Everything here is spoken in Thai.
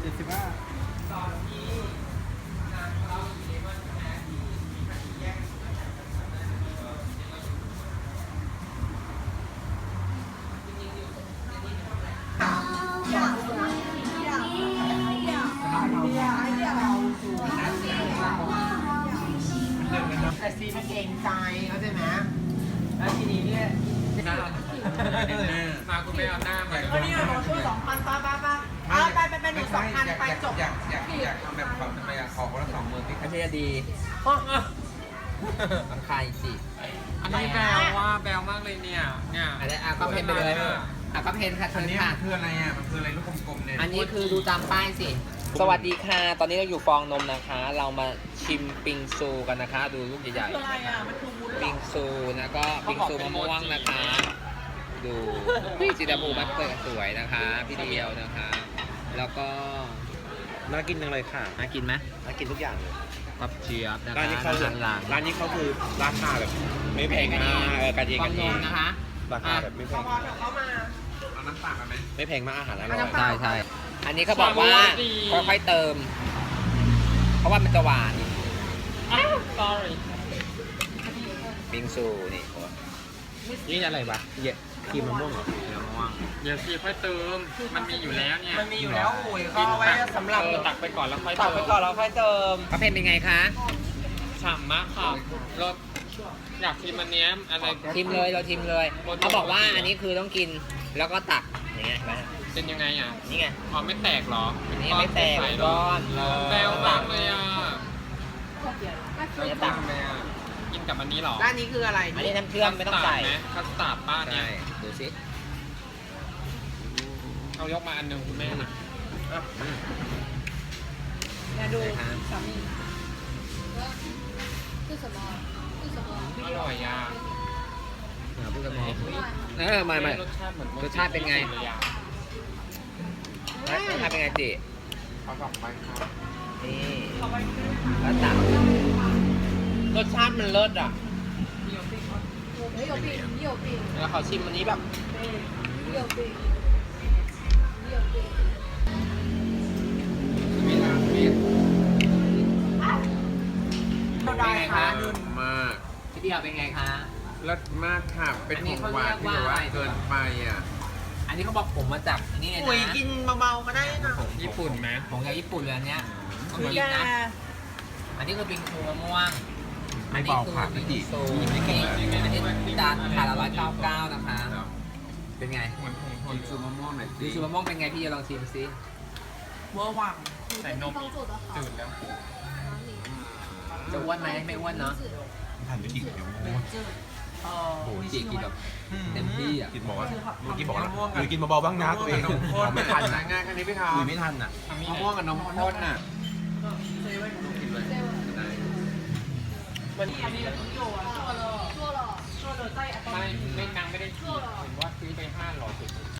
75 แต่ซีมันเกรงใจเข้าใจไหมแล้วทีนี้เนี่ยมาคุณไม่เอาหน้ามาวันนี้เราช่วย2,000ป้าไปหนู2,000ไปจบอยากทำแบบเขาทำไมขอคนละ20,000ที่อันนี้ดีลำคาญสิอันนี้แบวว่าแบวมากเลยเนี่ยอันนี้ก็เพนไปเลยก็เพนค่ะอันเชิญนี้ค่ะมันคืออะไรอ่ะมันคืออะไรลูกกลมๆเนี่ยอันนี้คือดูตามป้ายสิ สวัสดีค่ะ ตอนนี้เราอยู่ฟองนมนะคะ เรามาชิมปิงซูกันนะคะ ดูลูกใหญ่ๆนะคะปิงซูนะก็ปิงซูมะม่วงนะคะ ดูพี่จิตาภูมิมันเปิดสวยนะคะ พี่เดียวนะคะ แล้วก็น่ากินจังเลยค่ะน่ากินไหมน่ากินทุกอย่างเลยกับเจี๊ยบนะคะร้านนี้เขาหลังร้านนี้เขาคือราคาแบบไม่แพงมากกันเองฟอกังนนเองมนะคะราคาแบบไม่แพงเขามาเอาน้ำตาลมาไหมไม่แพงมากอาหารอร่อยใช่ใช่อันนี้เขาบอกว่าค่อยๆเติม เพราะว่ามันจะหวาน sorry ปิงซูนี่นี่อะไรวะเยอะครีมมะม่วงเหรอมะม่วงเดี๋ยวซีค่อยเติมมันมีอยู่แล้วเนี่ยมันมีอยู่แล้วโอ้ยเขาเอาไว้สำหรับตักไปก่อนแล้วค่อยตัเติกมไปก่อนแล้วค่อยเติมกาแฟเป็นไงคะฉ่ำมากค่ะรสอยากชิมอันเนี้ยอะไรทิมเลยเราทิมเลยเขาบอกว่าอันนี้คือต้องกินแล้วก็ตักอย่างเงี้ยนะเป็นยังไงอ่ะนี่ไงอ๋อไม่แตกเหรออันนี้ไม่แตกใส่ก้อนแบวมากเลยอ่ะเราจะตักเลยอ่ะกินกับอันนี้เหรอด้านนี้คืออะไรอันนี้น้ำเชื่อมไม่ต้องใส่ไหมคัสตาร์ดป้าเนี่ใช่ยดูสิเอายกมาอันหนึ่งคุณแม่นะเนี่ยดู是什么？是什么？ อร่อยอ่ะพูดกันมองไม่รสชาติเหมือนรสชาติเป็นไงเลยอ่ะรสชาติเป็นไงจิเอา2ใบครับนี่แล้วตักรสชาติมันเลิศอ่ะ我没有病，你有病， แล้วเขาชิมอันนี้แบบ你有病，你有病。 มีน้ำมีเราได้ค่ะมากพี่เดียวเป็นไงคะเลิศมากค่ะเป็นของหวานที่แบบว่าเกินไปอ่ะอันนี้เขาบอกผมมาจากนี่เลยปุ๋ยนะกินเบาๆก็ได้นะญี่ปุ่นไหมผมจากญี่ปุ่นเลยอันเนี้ยต้องคือกินแกนะ อันนี้คือปิงซูมะม่วงไม่เบาค่ะปิพี่งจิซูอันนี้จานขาละ199นะคะ เป็นไงเหมือนผงกินซูมะม่วงหน่อยดูสิซูมะม่วงเป็นไงพี่จะลองชิมซิเวอร์วัง你的地方做得好， จืดแล้ว哪里？ จะอ้วนไหมไม่อ้วนเนาะทานไม่กินเดี๋ยวม่วงเออโอ้โหจีกินแบบเต็มที่อ่ะกินบอกว่าเมื่อกี้บอกว่าหรือกินเบาๆบ้างนะตัวเองไม่ทันนะง่ายแค่นี้ไม่ทันคุยไม่ทันอ่ะทำนี่มะม่วงกับนมข้นน่ะมันอันนี้เราต้องโยน做了，做了。 ไม่นางไม่ได้เห็นว่าซื้อไป500